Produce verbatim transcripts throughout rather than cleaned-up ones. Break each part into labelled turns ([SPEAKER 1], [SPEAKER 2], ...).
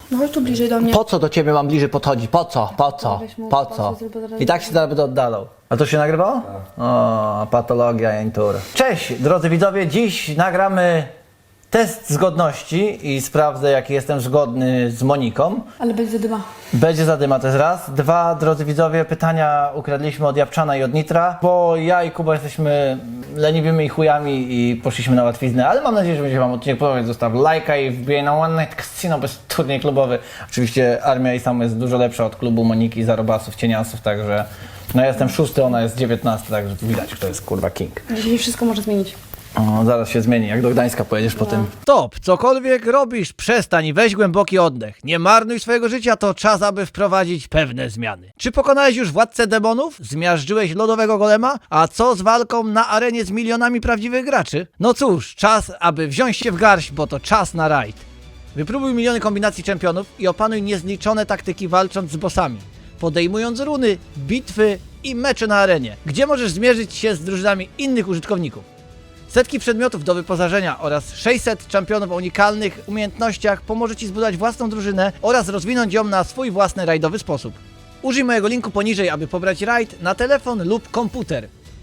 [SPEAKER 1] No chodź tu bliżej do mnie.
[SPEAKER 2] Po co do ciebie mam bliżej podchodzić? Po co? Po co?
[SPEAKER 1] Weź mu
[SPEAKER 2] Po
[SPEAKER 1] pasy,
[SPEAKER 2] co?
[SPEAKER 1] zrób zaraz-
[SPEAKER 2] I tak się zaraz będę oddalał. A to się nagrywało? O, patologia jętura. Cześć, drodzy widzowie. Dziś nagramy test zgodności i sprawdzę, jaki jestem zgodny z Moniką.
[SPEAKER 1] Ale będzie zadyma.
[SPEAKER 2] Będzie zadyma, to jest raz. Dwa, drodzy widzowie, pytania ukradliśmy od Japczana i od Nitra, bo ja i Kuba jesteśmy leniwymi chujami i poszliśmy na łatwiznę, ale mam nadzieję, że będzie wam odcinek podobać. Zostaw lajka i wbijaj na One Night Casino bez turniej klubowy. Oczywiście Armia i Sam jest dużo lepsza od klubu Moniki, Zarobasów, Cieniasów, także no ja jestem szósty, ona jest dziewiętnasty, także widać, kto jest kurwa king.
[SPEAKER 1] Dzisiaj wszystko może zmienić.
[SPEAKER 2] O, zaraz się zmieni, jak do Gdańska pojedziesz po tym. Stop! Cokolwiek robisz, przestań i weź głęboki oddech. Nie marnuj swojego życia, to czas, aby wprowadzić pewne zmiany. Czy pokonałeś już władcę demonów? Zmiażdżyłeś lodowego golema? A co z walką na arenie z milionami prawdziwych graczy? No cóż, czas, aby wziąć się w garść, bo to czas na rajd. Wypróbuj miliony kombinacji czempionów i opanuj niezliczone taktyki walcząc z bossami, podejmując runy, bitwy i mecze na arenie, gdzie możesz zmierzyć się z drużynami innych użytkowników. Setki przedmiotów do wyposażenia oraz sześćset czempionów o unikalnych umiejętnościach pomoże Ci zbudować własną drużynę oraz rozwinąć ją na swój własny rajdowy sposób. Użyj mojego linku poniżej, aby pobrać rajd na telefon lub komputer.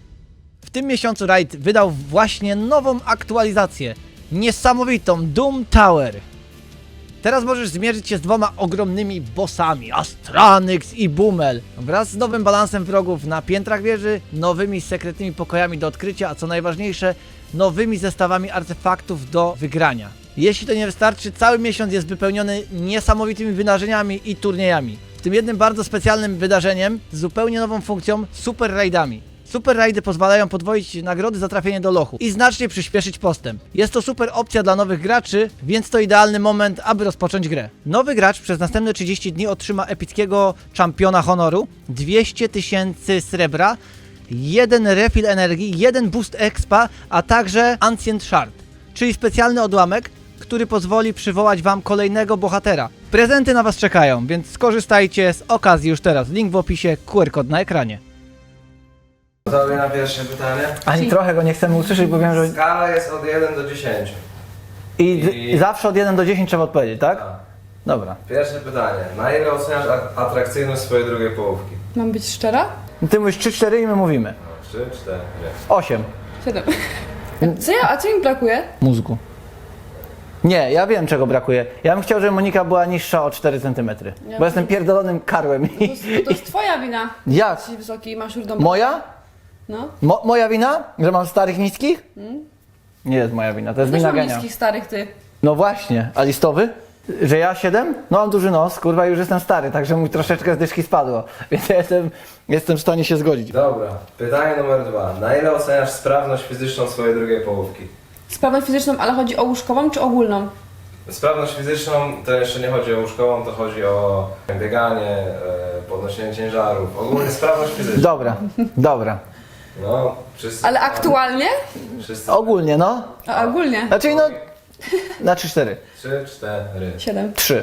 [SPEAKER 2] W tym miesiącu rajd wydał właśnie nową aktualizację, niesamowitą Doom Tower. Teraz możesz zmierzyć się z dwoma ogromnymi bossami, Astranyx i Bumel, wraz z nowym balansem wrogów na piętrach wieży, nowymi sekretnymi pokojami do odkrycia, a co najważniejsze, nowymi zestawami artefaktów do wygrania. Jeśli to nie wystarczy, cały miesiąc jest wypełniony niesamowitymi wydarzeniami i turniejami, w tym jednym bardzo specjalnym wydarzeniem z zupełnie nową funkcją Super Raidami. Super rajdy pozwalają podwoić nagrody za trafienie do lochu i znacznie przyspieszyć postęp. Jest to super opcja dla nowych graczy, więc to idealny moment, aby rozpocząć grę. Nowy gracz przez następne trzydzieści dni otrzyma epickiego czampiona honoru, dwieście tysięcy srebra, jeden refill energii, jeden boost expa, a także Ancient Shard, czyli specjalny odłamek, który pozwoli przywołać wam kolejnego bohatera. Prezenty na was czekają, więc skorzystajcie z okazji już teraz. Link w opisie, Q R kod na ekranie.
[SPEAKER 3] Gotowi na pierwsze pytanie?
[SPEAKER 2] Ani trochę go nie chcemy usłyszeć, bo wiem, że...
[SPEAKER 3] Skala jest od jeden do dziesięciu.
[SPEAKER 2] I,
[SPEAKER 3] I-
[SPEAKER 2] I zawsze od jeden do dziesięciu trzeba odpowiedzieć, tak?
[SPEAKER 3] Tak.
[SPEAKER 2] Dobra.
[SPEAKER 3] Pierwsze pytanie. Na ile oceniasz a- atrakcyjność swojej drugiej połówki?
[SPEAKER 1] Mam być szczera?
[SPEAKER 2] Ty mówisz trzy cztery i my mówimy.
[SPEAKER 3] No, trzy, cztery.
[SPEAKER 2] osiem.
[SPEAKER 1] Siedem. Co ja, a co mi brakuje?
[SPEAKER 2] Mózgu. Nie, ja wiem czego brakuje. Ja bym chciał, żeby Monika była niższa o cztery centymetry.
[SPEAKER 1] Ja
[SPEAKER 2] Bo jestem pierdolonym karłem.
[SPEAKER 1] To jest, to jest twoja wina.
[SPEAKER 2] Jak?
[SPEAKER 1] Jesteś wysoki i masz już dom.
[SPEAKER 2] Moja?
[SPEAKER 1] No.
[SPEAKER 2] Mo moja wina? Że mam starych niskich? Nie jest moja wina, to jest
[SPEAKER 1] Też
[SPEAKER 2] wina
[SPEAKER 1] mam
[SPEAKER 2] genia.
[SPEAKER 1] niskich starych ty.
[SPEAKER 2] No właśnie, a listowy? Że ja siedem? No mam duży nos, kurwa, już jestem stary, także mi troszeczkę z dyszki spadło. Więc ja jestem, jestem w stanie się zgodzić.
[SPEAKER 3] Dobra. Pytanie numer dwa. Na ile oceniasz sprawność fizyczną swojej drugiej połówki?
[SPEAKER 1] Sprawność fizyczną, ale chodzi o łóżkową czy ogólną?
[SPEAKER 3] Sprawność fizyczną to jeszcze nie chodzi o łóżkową, to chodzi o bieganie, e, podnoszenie ciężarów. Ogólnie sprawność fizyczna.
[SPEAKER 2] Dobra, dobra.
[SPEAKER 3] No, wszyscy...
[SPEAKER 1] Ale aktualnie?
[SPEAKER 3] Wszyscy...
[SPEAKER 2] Ogólnie, no.
[SPEAKER 1] A ogólnie?
[SPEAKER 2] Znaczy, no, na trzy cztery.
[SPEAKER 3] Trzy, cztery.
[SPEAKER 1] Siedem.
[SPEAKER 2] trzy.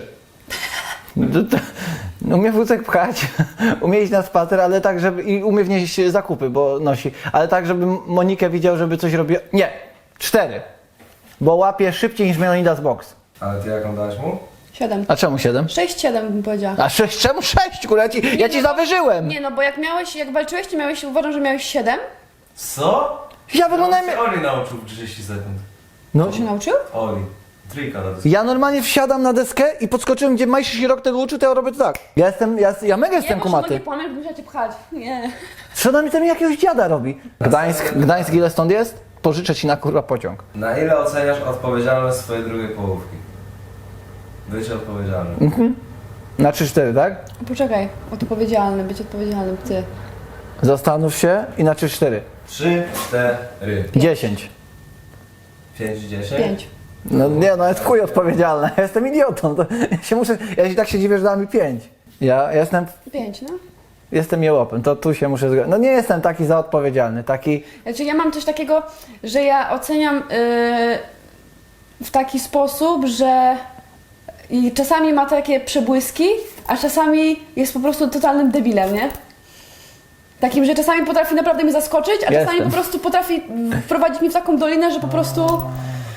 [SPEAKER 2] Umie wózek pchać, umie iść na spacer, ale tak, żeby... I umie wnieść zakupy, bo nosi. Ale tak, żeby Monikę widział, żeby coś robiła... Nie! cztery. Bo łapie szybciej niż Melonidas Box.
[SPEAKER 3] Ale ty jaką dałeś mu?
[SPEAKER 1] Siedem.
[SPEAKER 2] A czemu siedem?
[SPEAKER 1] Sześć, siedem bym powiedziała.
[SPEAKER 2] A sześć, czemu sześć? Kurwa, ja ci, ja ci zawyżyłem!
[SPEAKER 1] Nie no, bo jak miałeś, jak walczyłeś, to miałeś, uważam, że miałeś siedem.
[SPEAKER 3] Co?
[SPEAKER 2] Ja wyglądałem...
[SPEAKER 3] Oli nauczył w trzydzieści sekund.
[SPEAKER 2] No,
[SPEAKER 1] To się nauczył?
[SPEAKER 3] Oli. Trójka na dysku.
[SPEAKER 2] ja normalnie wsiadam na deskę i podskoczyłem, gdzie Majszy się rok tego uczył, to ja robię to tak. Ja jestem, ja, ja mega jestem
[SPEAKER 1] Nie,
[SPEAKER 2] kumaty.
[SPEAKER 1] Nie płamiesz, bo musiała cię pchać. Nie.
[SPEAKER 2] Co na mnie tam jakiegoś dziada robi? Gdańsk, Gdańsk ile stąd jest? Pożyczę ci na kurwa pociąg.
[SPEAKER 3] Na ile oceniasz odpowiedzialność swojej drugiej połówki? Być odpowiedzialnym.
[SPEAKER 2] Na trzy cztery, tak?
[SPEAKER 1] Poczekaj, odpowiedzialny, być odpowiedzialnym, ty.
[SPEAKER 2] Zastanów się i na trzy cztery.
[SPEAKER 3] Trzy, cztery.
[SPEAKER 2] dziesięć.
[SPEAKER 3] Pięć, dziesięć.
[SPEAKER 1] Pięć.
[SPEAKER 2] No nie, no jest chuj odpowiedzialna. Ja jestem idiotą. To ja się muszę, ja się tak się dziwię, że dała mi pięć. Ja jestem,
[SPEAKER 1] Pięć, no.
[SPEAKER 2] jestem jełopem, to tu się muszę zgodzić. No nie jestem taki za odpowiedzialny, taki...
[SPEAKER 1] Znaczy ja mam coś takiego, że ja oceniam yy, w taki sposób, że i czasami ma takie przebłyski, a czasami jest po prostu totalnym debilem, nie? Takim, że czasami potrafi naprawdę mnie zaskoczyć, a czasami
[SPEAKER 2] Jestem.
[SPEAKER 1] po prostu potrafi wprowadzić mnie w taką dolinę, że po prostu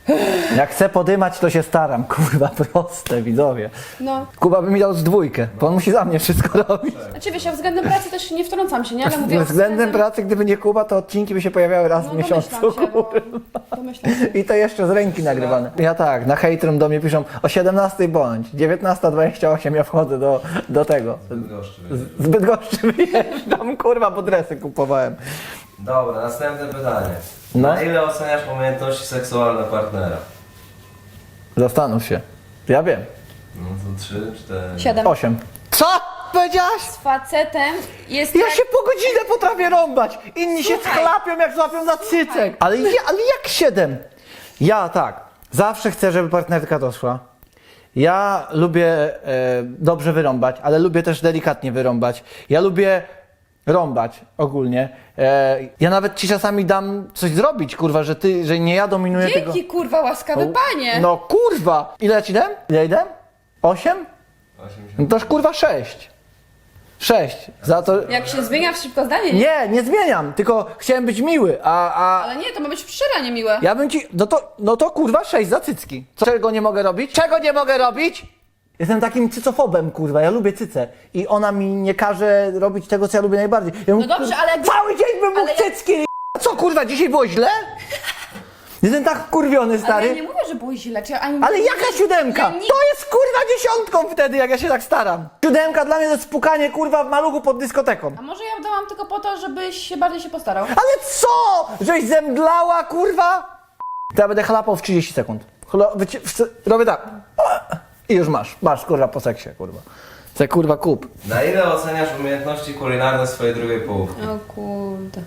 [SPEAKER 2] Jak chcę podymać, to się staram, kurwa, proste, widzowie.
[SPEAKER 1] No.
[SPEAKER 2] Kuba by mi dał z dwójkę, bo on musi za mnie wszystko robić.
[SPEAKER 1] Znaczy wiesz, ja względem pracy też nie wtrącam się, nie? Ale mówię o
[SPEAKER 2] Względem pracy, gdyby nie Kuba, to odcinki by się pojawiały raz
[SPEAKER 1] No
[SPEAKER 2] w miesiącu.
[SPEAKER 1] domyślam się, bo... Domyślam się.
[SPEAKER 2] I to jeszcze z ręki nagrywane. Ja tak, na hejtrum do mnie piszą o siedemnastej bądź, dziewiętnasta dwadzieścia osiem ja wchodzę do, do tego.
[SPEAKER 3] Bydgoszczy.
[SPEAKER 2] Z Bydgoszczy wyjeżdżam, kurwa, bo dresy kupowałem.
[SPEAKER 3] Dobra, następne pytanie.
[SPEAKER 2] No.
[SPEAKER 3] Na ile oceniasz umiejętności seksualne partnera?
[SPEAKER 2] Zastanów się. Ja wiem.
[SPEAKER 3] No to trzy, cztery...
[SPEAKER 1] Siedem.
[SPEAKER 2] Osiem. Co? Powiedziałaś?
[SPEAKER 1] Z facetem jest
[SPEAKER 2] Ja
[SPEAKER 1] tak...
[SPEAKER 2] się po godzinę potrafię rąbać. Inni się
[SPEAKER 1] Słuchaj.
[SPEAKER 2] schlapią jak złapią za cycek. Ale, ja, ale jak siedem? Ja tak. Zawsze chcę, żeby partnerka doszła. Ja lubię e, dobrze wyrąbać, ale lubię też delikatnie wyrąbać. Ja lubię rąbać ogólnie. E, ja nawet ci czasami dam coś zrobić, kurwa, że ty, że nie ja dominuję tego.
[SPEAKER 1] Dzięki, kurwa, łaskawy panie!
[SPEAKER 2] No kurwa! Ile ja ci dam? Ile ja dam? Osiem?
[SPEAKER 3] osiemdziesiąt.
[SPEAKER 2] No toż kurwa sześć. Sześć. Za to...
[SPEAKER 1] Jak się zmienia w szybko zdanie, nie?
[SPEAKER 2] Nie, nie zmieniam, tylko chciałem być miły, a, a
[SPEAKER 1] Ale nie, to ma być szczere, nie miłe.
[SPEAKER 2] ja bym ci, no to, no to kurwa sześć za cycki. Co, czego nie mogę robić? Czego nie mogę robić? Jestem takim cycofobem, kurwa, ja lubię cycę i ona mi nie każe robić tego, co ja lubię najbardziej. Ja bym,
[SPEAKER 1] No dobrze, ale jakby-
[SPEAKER 2] cały dzień bym mógł
[SPEAKER 1] ale jak-
[SPEAKER 2] cycki. Co kurwa, dzisiaj było źle? Jestem tak wkurwiony,
[SPEAKER 1] Ale
[SPEAKER 2] stary.
[SPEAKER 1] ja nie mówię, że było źle, czy ani...
[SPEAKER 2] Ale jaka siódemka?
[SPEAKER 1] Ja nie-
[SPEAKER 2] To jest kurwa dziesiątką wtedy, jak ja się tak staram. Siódemka dla mnie to jest spukanie kurwa w maluchu pod dyskoteką.
[SPEAKER 1] A może ja dałam tylko po to, żebyś się bardziej się postarał?
[SPEAKER 2] Ale co? Żeś zemdlała, kurwa? To ja będę chlapał w trzydzieści sekund. Chlo- wyci- w- robię tak. I już masz. Masz, kurwa, po seksie, kurwa. Se kurwa kup.
[SPEAKER 3] Na ile oceniasz umiejętności kulinarne swojej drugiej połówki?
[SPEAKER 1] O kurde.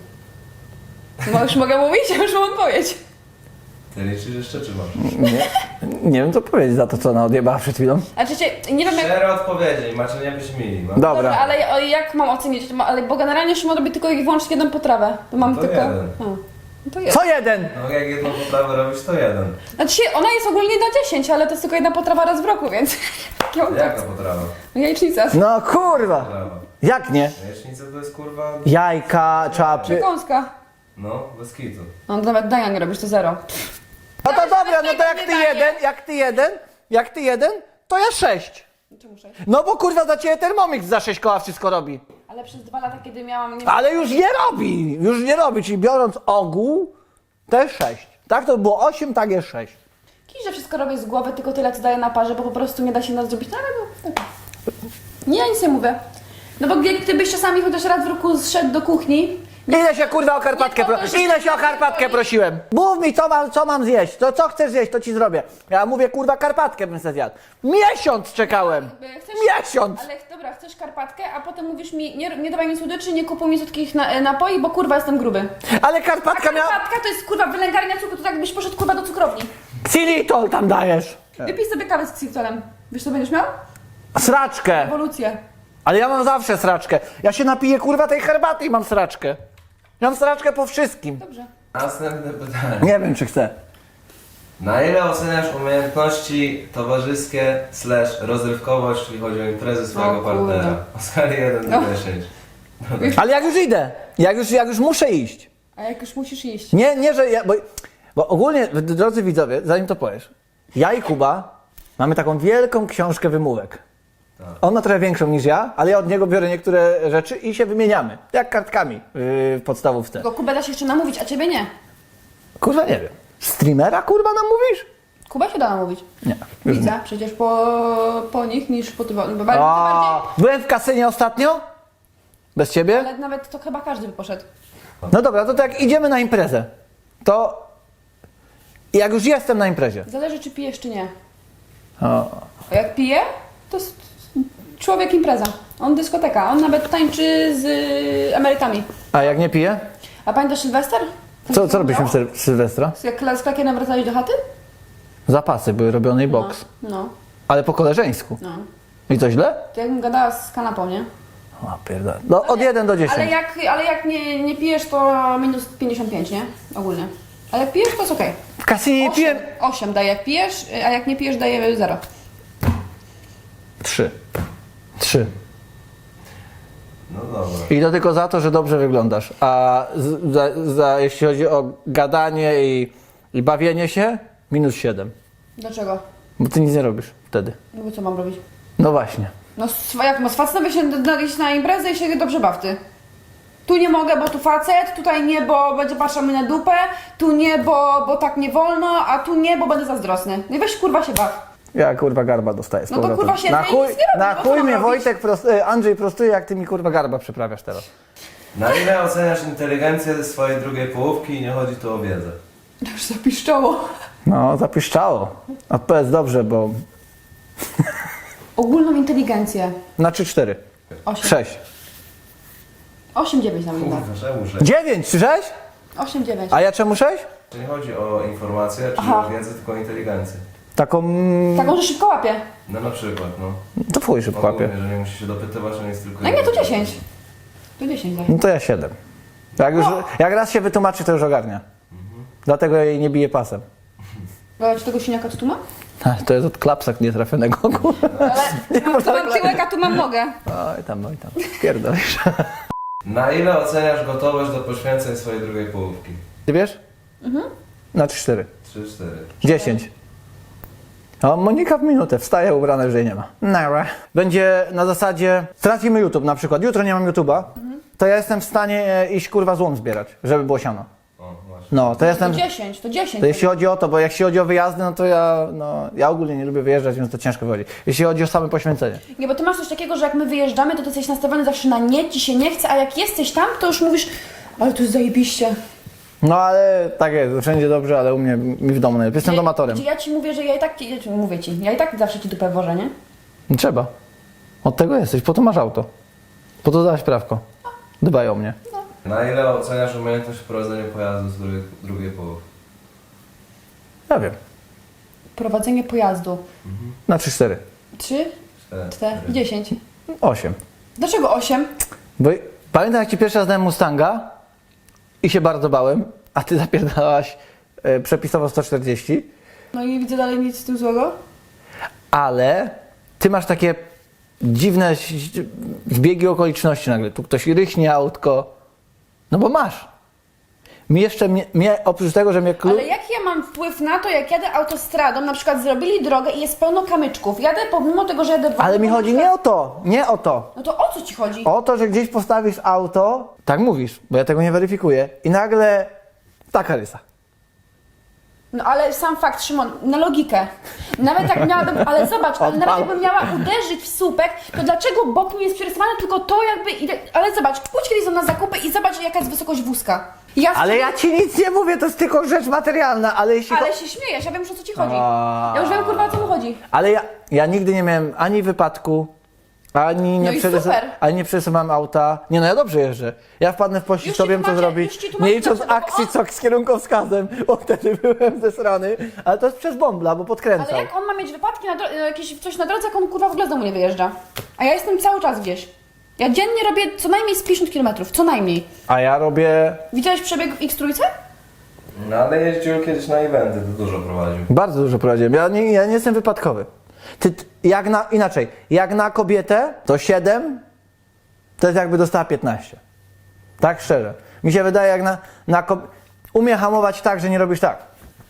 [SPEAKER 1] No już mogę mówić, ja już mam odpowiedź.
[SPEAKER 3] Ty liczysz jeszcze, czy masz?
[SPEAKER 2] Nie, nie wiem co powiedzieć za to, co ona odjebała przed chwilą.
[SPEAKER 1] A czy cię, nie wiem jak...
[SPEAKER 3] Cztery odpowiedzi, macie nie być mili, no.
[SPEAKER 2] Dobra.
[SPEAKER 1] Dobra, ale o, jak mam ocenić? Ma- Ale, bo generalnie Szymon robi tylko i wyłącznie jedną potrawę. To mam
[SPEAKER 3] to
[SPEAKER 1] tylko...
[SPEAKER 3] jeden.
[SPEAKER 1] A, no to jest.
[SPEAKER 2] Co jeden?
[SPEAKER 3] No jak jedną poprawę robisz, to jeden.
[SPEAKER 1] Znaczy się, ona jest ogólnie na dziesięć, ale to jest tylko jedna potrawa raz w roku, więc... Ja mam tak.
[SPEAKER 3] Jaka potrawa?
[SPEAKER 1] No jajecznica.
[SPEAKER 2] No kurwa.
[SPEAKER 3] Potrawa.
[SPEAKER 2] Jak nie?
[SPEAKER 3] Jajecznica to jest kurwa...
[SPEAKER 2] Jajka, czapy.
[SPEAKER 1] Przekąska.
[SPEAKER 3] No, bez kitu.
[SPEAKER 1] No to nawet Dania nie robisz, to zero.
[SPEAKER 2] No to dobra, no to
[SPEAKER 1] tego
[SPEAKER 2] jak
[SPEAKER 1] nie
[SPEAKER 2] ty
[SPEAKER 1] daje.
[SPEAKER 2] jeden, jak ty jeden, jak ty jeden, to ja sześć.
[SPEAKER 1] Czemu sześć?
[SPEAKER 2] No bo kurwa za ciebie Thermomix za sześć koła wszystko robi.
[SPEAKER 1] Ale przez dwa lata, kiedy miałam... Nie...
[SPEAKER 2] Ale już nie robi, już nie robi, czyli biorąc ogół, to jest sześć. Tak to było osiem, tak jest sześć.
[SPEAKER 1] Kiedyś, że wszystko robię z głowy, tylko tyle co daję na parze, bo po prostu nie da się nas zrobić. No ale no, tak. Nie, ja nic nie mówię. No bo gdy- gdybyś czasami chociaż raz w roku zszedł do kuchni...
[SPEAKER 2] Ile się kurwa o Karpatkę
[SPEAKER 1] Nie po to,
[SPEAKER 2] pro...
[SPEAKER 1] że-
[SPEAKER 2] Ile się o Karpatkę prosiłem? Mów mi co mam, co mam zjeść, to co chcesz zjeść, to ci zrobię. Ja mówię kurwa Karpatkę bym se zjadł. Miesiąc czekałem.
[SPEAKER 1] Chcesz,
[SPEAKER 2] Miesiąc.
[SPEAKER 1] Ale dobra, chcesz karpatkę, a potem mówisz mi, nie, nie dawaj mi słodyczy, nie kupuj mi słodkich na, napoi, bo kurwa jestem gruby.
[SPEAKER 2] Ale Karpatka miała...
[SPEAKER 1] Karpatka to jest kurwa wylęgarnia cukru, to tak jakbyś poszedł kurwa do cukrowni.
[SPEAKER 2] Xylitol tam dajesz.
[SPEAKER 1] Wypij sobie kawę z xylitolem. Wiesz co będziesz miał?
[SPEAKER 2] Sraczkę.
[SPEAKER 1] Ewolucję.
[SPEAKER 2] Ale ja mam zawsze sraczkę. Ja się napiję kurwa tej herbaty i mam sraczkę. Ja mam sraczkę po wszystkim.
[SPEAKER 1] Dobrze.
[SPEAKER 3] Następne pytanie.
[SPEAKER 2] Nie wiem czy chcę.
[SPEAKER 3] Na ile oceniasz umiejętności towarzyskie slash rozrywkowość, czyli chodzi o imprezy swojego
[SPEAKER 1] O kurde.
[SPEAKER 3] partnera? O skali jeden do
[SPEAKER 1] No.
[SPEAKER 3] dziesięć.
[SPEAKER 2] Ale jak już idę, jak już, jak już muszę iść.
[SPEAKER 1] A jak już musisz iść?
[SPEAKER 2] Nie, nie, że ja, bo, bo ogólnie, drodzy widzowie, zanim to powiesz, ja i Kuba mamy taką wielką książkę wymówek.
[SPEAKER 3] Tak.
[SPEAKER 2] On ma trochę większą niż ja, ale ja od niego biorę niektóre rzeczy i się wymieniamy. Jak kartkami yy, w podstawówce.
[SPEAKER 1] Tylko Kubę da się jeszcze namówić, a ciebie nie.
[SPEAKER 2] Kurwa nie wiem. Streamera kurwa nam mówisz?
[SPEAKER 1] Kuba się da namówić.
[SPEAKER 2] Nie. Już nie.
[SPEAKER 1] Widzę, przecież po, po nich niż po tym. Bo bardziej,
[SPEAKER 2] A,
[SPEAKER 1] bardziej,
[SPEAKER 2] byłem w kasynie ostatnio? Bez ciebie?
[SPEAKER 1] ale nawet to chyba każdy by poszedł.
[SPEAKER 2] No dobra, to tak idziemy na imprezę. To jak już jestem na imprezie.
[SPEAKER 1] Zależy czy pijesz czy nie.
[SPEAKER 2] O.
[SPEAKER 1] A jak pije, to jest człowiek impreza. On dyskoteka. On nawet tańczy z y, emerytami.
[SPEAKER 2] A jak nie piję?
[SPEAKER 1] A pamiętasz Sylwester?
[SPEAKER 2] Co, co robiliśmy w Syl- Sylwestra?
[SPEAKER 1] Jak z Klakienem wracałeś do chaty?
[SPEAKER 2] Zapasy były robione i boks.
[SPEAKER 1] No,
[SPEAKER 2] Ale po koleżeńsku.
[SPEAKER 1] no.
[SPEAKER 2] I to źle?
[SPEAKER 1] To jakbym gadała z kanapą, nie?
[SPEAKER 2] O pierdolę. No od jeden do
[SPEAKER 1] Ale
[SPEAKER 2] dziesięciu.
[SPEAKER 1] jak, ale jak nie, nie pijesz, to minus pięćdziesiąt pięć, nie? Ogólnie. A jak pijesz, to jest okej.
[SPEAKER 2] W kasynie nie piłem...
[SPEAKER 1] osiem daje jak pijesz, a jak nie pijesz, daje zero.
[SPEAKER 2] Trzy. Trzy.
[SPEAKER 3] No dobra.
[SPEAKER 2] I to tylko za to, że dobrze wyglądasz. A z, za, za, jeśli chodzi o gadanie i, i bawienie się, Minus siedem.
[SPEAKER 1] Dlaczego?
[SPEAKER 2] Bo ty nic nie robisz wtedy.
[SPEAKER 1] No bo co mam robić?
[SPEAKER 2] No właśnie.
[SPEAKER 1] No s- jak no, z facetem się na- iść na imprezę i się dobrze baw ty. Tu nie mogę, bo tu facet, tutaj nie, bo będzie patrzał mi na dupę, tu nie, bo, bo tak nie wolno, a tu nie, bo będę zazdrosny. No i weź kurwa się baw.
[SPEAKER 2] Ja kurwa garba dostaję z
[SPEAKER 1] No to,
[SPEAKER 2] powrotem.
[SPEAKER 1] kurwa, siedzę
[SPEAKER 2] Na
[SPEAKER 1] i
[SPEAKER 2] chuj,
[SPEAKER 1] nic nie robię,
[SPEAKER 2] na
[SPEAKER 1] no co
[SPEAKER 2] chuj
[SPEAKER 1] mam
[SPEAKER 2] mnie
[SPEAKER 1] robić?
[SPEAKER 2] Wojtek prost, e, Andrzej prostuje, jak ty mi kurwa garba przyprawiasz teraz.
[SPEAKER 3] Na ile oceniasz inteligencję swojej drugiej połówki i nie chodzi tu o wiedzę?
[SPEAKER 1] Już zapiszczało.
[SPEAKER 2] No, zapiszczało. Odpowiedz dobrze, bo
[SPEAKER 1] Ogólną inteligencję.
[SPEAKER 2] na trzy cztery.
[SPEAKER 1] Osiem.
[SPEAKER 2] sześć.
[SPEAKER 1] osiem dziewięć na mnie.
[SPEAKER 3] Kurwa, czemu sześć?
[SPEAKER 2] dziewięć, czy sześć?
[SPEAKER 1] osiem dziewięć.
[SPEAKER 2] A ja czemu sześć?
[SPEAKER 3] To nie chodzi o informację, czy
[SPEAKER 1] Aha.
[SPEAKER 3] o wiedzę, tylko o inteligencję.
[SPEAKER 2] Taką... mm,
[SPEAKER 1] Taką, że szybko łapie.
[SPEAKER 3] No na przykład, no.
[SPEAKER 2] To fuj szybko łapie.
[SPEAKER 3] Ogólnie, że nie musisz się dopytywać, on jest tylko...
[SPEAKER 1] No nie, to dziesięć. To dziesięć daj.
[SPEAKER 2] No to ja siedem. Jak, już, jak raz się wytłumaczy, to już ogarnia. Dlatego jej nie bije pasem.
[SPEAKER 1] Dodać tego siniaka, co tu mam?
[SPEAKER 2] To jest od klapsa nietrafionego. kurwa.
[SPEAKER 1] Ale mam, tu mam tyłek, a tu mam nogę.
[SPEAKER 2] Oj tam, oj tam. Pierdolisz.
[SPEAKER 3] Na ile oceniasz gotowość do poświęceń swojej drugiej połówki?
[SPEAKER 2] Ty wiesz?
[SPEAKER 1] Mhm.
[SPEAKER 2] Na trzy cztery.
[SPEAKER 3] trzy cztery.
[SPEAKER 2] dziesięć. O, Monika w minutę wstaje ubrana, że jej nie ma. Nara. Będzie na zasadzie, tracimy YouTube na przykład, jutro nie mam YouTube'a, to ja jestem w stanie e, iść kurwa złom zbierać, żeby było siano.
[SPEAKER 3] O, właśnie.
[SPEAKER 2] No, to jestem,
[SPEAKER 1] To dziesięć, to dziesięć.
[SPEAKER 2] to jeśli chodzi o to, bo jak się chodzi o wyjazdy, no to ja, no, ja ogólnie nie lubię wyjeżdżać, więc to ciężko wychodzi. Jeśli chodzi o same poświęcenie.
[SPEAKER 1] Nie, bo ty masz coś takiego, że jak my wyjeżdżamy, to ty jesteś nastawiony zawsze na nie, ci się nie chce, a jak jesteś tam, to już mówisz, ale to jest zajebiście.
[SPEAKER 2] No ale tak jest, wszędzie dobrze, ale u mnie, mi w domu najlepiej. Jestem domatorem.
[SPEAKER 1] Gdzie ja ci mówię, że ja i tak ci, ja ci- mówię ci, ja i tak zawsze ci dupę wożę, nie?
[SPEAKER 2] Nie trzeba. Od tego jesteś, po to masz auto. Po to dałaś prawko. Dbaj o mnie.
[SPEAKER 3] Na ile oceniasz umiejętność prowadzenia pojazdu z drugiej, drugiej połówki?
[SPEAKER 2] Ja wiem.
[SPEAKER 1] Prowadzenie pojazdu.
[SPEAKER 2] Na trzy cztery.
[SPEAKER 1] Trzy, cztery, dziesięć.
[SPEAKER 2] osiem.
[SPEAKER 1] Dlaczego osiem?
[SPEAKER 2] Bo pamiętam, jak ci pierwszy raz dałem Mustanga i się bardzo bałem, a ty zapierdałaś e, przepisowo sto czterdzieści,
[SPEAKER 1] No i widzę dalej nic z tym złego.
[SPEAKER 2] ale ty masz takie dziwne ś- zbiegi okoliczności nagle. Tu ktoś rychnie autko. No bo masz. Mi jeszcze, mnie, mnie oprócz tego, że mnie klub...
[SPEAKER 1] Ale jaki ja mam wpływ na to, jak jadę autostradą, na przykład zrobili drogę i jest pełno kamyczków. Jadę pomimo tego, że jadę...
[SPEAKER 2] Ale mi
[SPEAKER 1] wolno,
[SPEAKER 2] chodzi
[SPEAKER 1] na
[SPEAKER 2] nie
[SPEAKER 1] przykład-
[SPEAKER 2] o to, nie o to.
[SPEAKER 1] No to o co ci chodzi?
[SPEAKER 2] O to, że gdzieś postawisz auto, tak mówisz, bo ja tego nie weryfikuję, i nagle taka rysa.
[SPEAKER 1] No ale sam fakt, Szymon, na logikę. Nawet jak miałabym, ale zobacz, ale nawet jakbym miała uderzyć w słupek, to dlaczego bok mi jest przerysowany, tylko to jakby... idę- Ale zobacz, pójdź kiedyś na zakupy i zobacz, jaka jest wysokość wózka. Ja
[SPEAKER 2] Ale ja ci nic nie mówię, to jest tylko rzecz materialna, ale jeśli...
[SPEAKER 1] Ale
[SPEAKER 2] cho-
[SPEAKER 1] się śmiejesz, ja wiem już o co ci chodzi.
[SPEAKER 2] A.
[SPEAKER 1] Ja już wiem kurwa o co mu chodzi.
[SPEAKER 2] Ale ja, ja nigdy nie miałem ani wypadku, ani nie,
[SPEAKER 1] No i
[SPEAKER 2] przerys-
[SPEAKER 1] super.
[SPEAKER 2] ani nie przerysowałem auta. Nie no, ja dobrze jeżdżę. Ja wpadnę w pościg,
[SPEAKER 1] Już
[SPEAKER 2] to
[SPEAKER 1] ci
[SPEAKER 2] wiem co
[SPEAKER 1] tłumaczę-
[SPEAKER 2] zrobić.
[SPEAKER 1] już ci tłumaczę
[SPEAKER 2] Nie licząc
[SPEAKER 1] dlaczego, bo
[SPEAKER 2] akcji
[SPEAKER 1] on-
[SPEAKER 2] co z kierunkowskazem, bo wtedy byłem zesrany. Ale to jest przez bąbla, bo podkręcał.
[SPEAKER 1] Ale jak on ma mieć wypadki, na dro- jakieś coś na drodze, jak on kurwa w ogóle z domu nie wyjeżdża. A ja jestem cały czas gdzieś. Ja dziennie robię co najmniej z pięćdziesiąt kilometrów, co najmniej.
[SPEAKER 2] A ja robię...
[SPEAKER 1] Widziałeś przebieg w X trójce?
[SPEAKER 3] No ale jeździł kiedyś na eventy, to dużo prowadził.
[SPEAKER 2] Bardzo dużo prowadziłem. Ja nie, ja nie jestem wypadkowy. Ty, ty, jak na, inaczej, jak na kobietę to siedem, to jest jakby dostała piętnaście. Tak szczerze. Mi się wydaje, jak na, na kob- umie hamować tak, że nie robisz tak.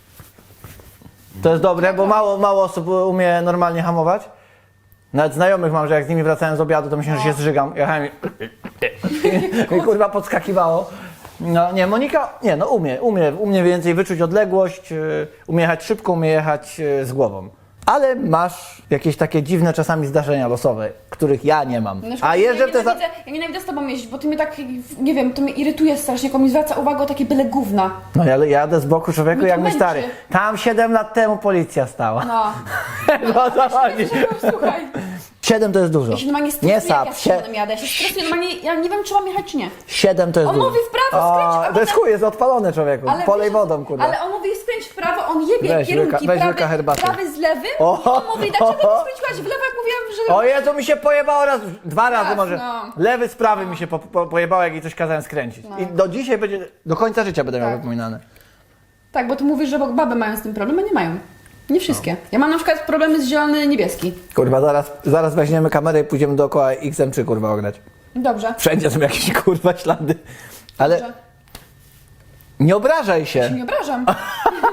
[SPEAKER 2] To jest dobre, bo mało, mało osób umie normalnie hamować. Nawet znajomych mam, że jak z nimi wracałem z obiadu, to myślę, że się zżygam. Jechałem i... i kurwa podskakiwało. No nie, Monika, nie no umie, umie, umie więcej wyczuć odległość, yy, umie jechać szybko, umie jechać yy, z głową. Ale masz jakieś takie dziwne czasami zdarzenia losowe, których ja nie mam.
[SPEAKER 1] Na przykład
[SPEAKER 2] A jeżdżę
[SPEAKER 1] ja
[SPEAKER 2] w te... za-
[SPEAKER 1] nienawidzę, ja nienawidzę z tobą jeździć, bo ty mnie tak, nie wiem, to mnie irytuje strasznie, jak on mi zwraca uwagę o takie byle gówna.
[SPEAKER 2] No ja jadę z boku człowieku
[SPEAKER 1] Mnie to
[SPEAKER 2] jak mój
[SPEAKER 1] męczy.
[SPEAKER 2] stary. Tam siedem lat temu policja stała.
[SPEAKER 1] No.
[SPEAKER 2] No o co chodzi?
[SPEAKER 1] Słuchaj.
[SPEAKER 2] siedem to jest dużo.
[SPEAKER 1] Ja się normalnie stresuję,
[SPEAKER 2] Nie
[SPEAKER 1] jak
[SPEAKER 2] sap.
[SPEAKER 1] ja z
[SPEAKER 2] Sie-
[SPEAKER 1] Szymonem jadę. Ja się stresuję, normalnie, ja nie wiem, czy mam jechać, czy nie.
[SPEAKER 2] siedem to jest
[SPEAKER 1] On
[SPEAKER 2] dużo.
[SPEAKER 1] mówi w prawo, skręć, a
[SPEAKER 2] To jest
[SPEAKER 1] potem-
[SPEAKER 2] chuj, jest odpalony człowieku. Polej
[SPEAKER 1] wiesz,
[SPEAKER 2] wodą, kurwa.
[SPEAKER 1] Ale on mówi skręć w prawo, on jebie
[SPEAKER 2] Weź
[SPEAKER 1] kierunki,
[SPEAKER 2] łyka- weź
[SPEAKER 1] prawy,
[SPEAKER 2] łyka herbaty.
[SPEAKER 1] prawy z lewym
[SPEAKER 2] O,
[SPEAKER 1] i on mówi, dlaczego
[SPEAKER 2] o,
[SPEAKER 1] nie skręciłaś w lewo, jak mówiłam, że...
[SPEAKER 2] O Jezu, mi się pojebało raz, dwa razy
[SPEAKER 1] Raz,
[SPEAKER 2] może.
[SPEAKER 1] no.
[SPEAKER 2] Lewy z prawy mi się po, po, pojebało, jak jej coś kazałem skręcić.
[SPEAKER 1] No.
[SPEAKER 2] I do dzisiaj będzie, do końca życia będę miał
[SPEAKER 1] Tak.
[SPEAKER 2] wypominane.
[SPEAKER 1] Tak, bo ty mówisz, że baby mają z tym problem, a nie mają. Nie wszystkie. Ja mam na przykład problemy z zielony niebieski.
[SPEAKER 2] Kurwa, zaraz, zaraz weźmiemy kamerę i pójdziemy dookoła X M trzy kurwa ograć.
[SPEAKER 1] Dobrze.
[SPEAKER 2] Wszędzie są jakieś kurwa ślady. Ale
[SPEAKER 1] Dobrze.
[SPEAKER 2] nie obrażaj
[SPEAKER 1] Ja się
[SPEAKER 2] się.
[SPEAKER 1] nie obrażam.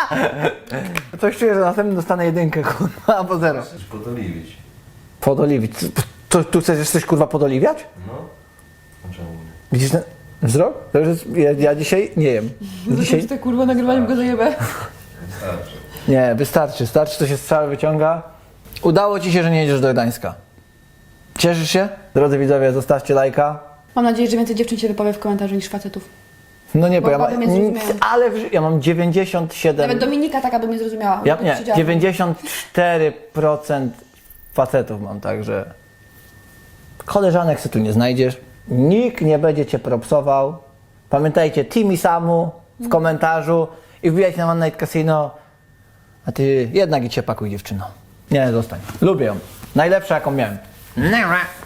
[SPEAKER 2] Coś czuję, że następnym dostanę jedynkę, kurwa, albo zero.
[SPEAKER 3] Chcesz podoliwić.
[SPEAKER 2] Podoliwić. To, tu chcesz coś, kurwa, podoliwiać?
[SPEAKER 3] No. A czemu nie?
[SPEAKER 2] Widzisz ten wzrok? To już jest, ja, ja dzisiaj nie jem. Dzisiaj...
[SPEAKER 1] Dzisiaj... kurwa nagrywaniem go zajebę.
[SPEAKER 3] Wystarczy.
[SPEAKER 2] Nie, wystarczy. Starczy, to się z cały wyciąga. Udało ci się, że nie jedziesz do Gdańska. Cieszysz się? Drodzy widzowie, zostawcie lajka.
[SPEAKER 1] Mam nadzieję, że więcej dziewczyn się wypowie w komentarzu niż facetów.
[SPEAKER 2] No nie, bo,
[SPEAKER 1] Bo
[SPEAKER 2] ja, ma,
[SPEAKER 1] baby mnie zrozumieją.
[SPEAKER 2] ale w, ja mam dziewięćdziesiąt siedem...
[SPEAKER 1] Nawet Dominika taka by mnie zrozumiała.
[SPEAKER 2] Ja,
[SPEAKER 1] Bo
[SPEAKER 2] nie,
[SPEAKER 1] siedziała.
[SPEAKER 2] dziewięćdziesiąt cztery procent facetów mam, także koleżanek se tu nie znajdziesz. Nikt nie będzie cię propsował. Pamiętajcie, Timi Samu w komentarzu i wbijajcie na One Night Casino. A ty jednak idź się pakuj, dziewczyno. Nie, zostań. Lubię ją. Najlepsza, jaką miałem.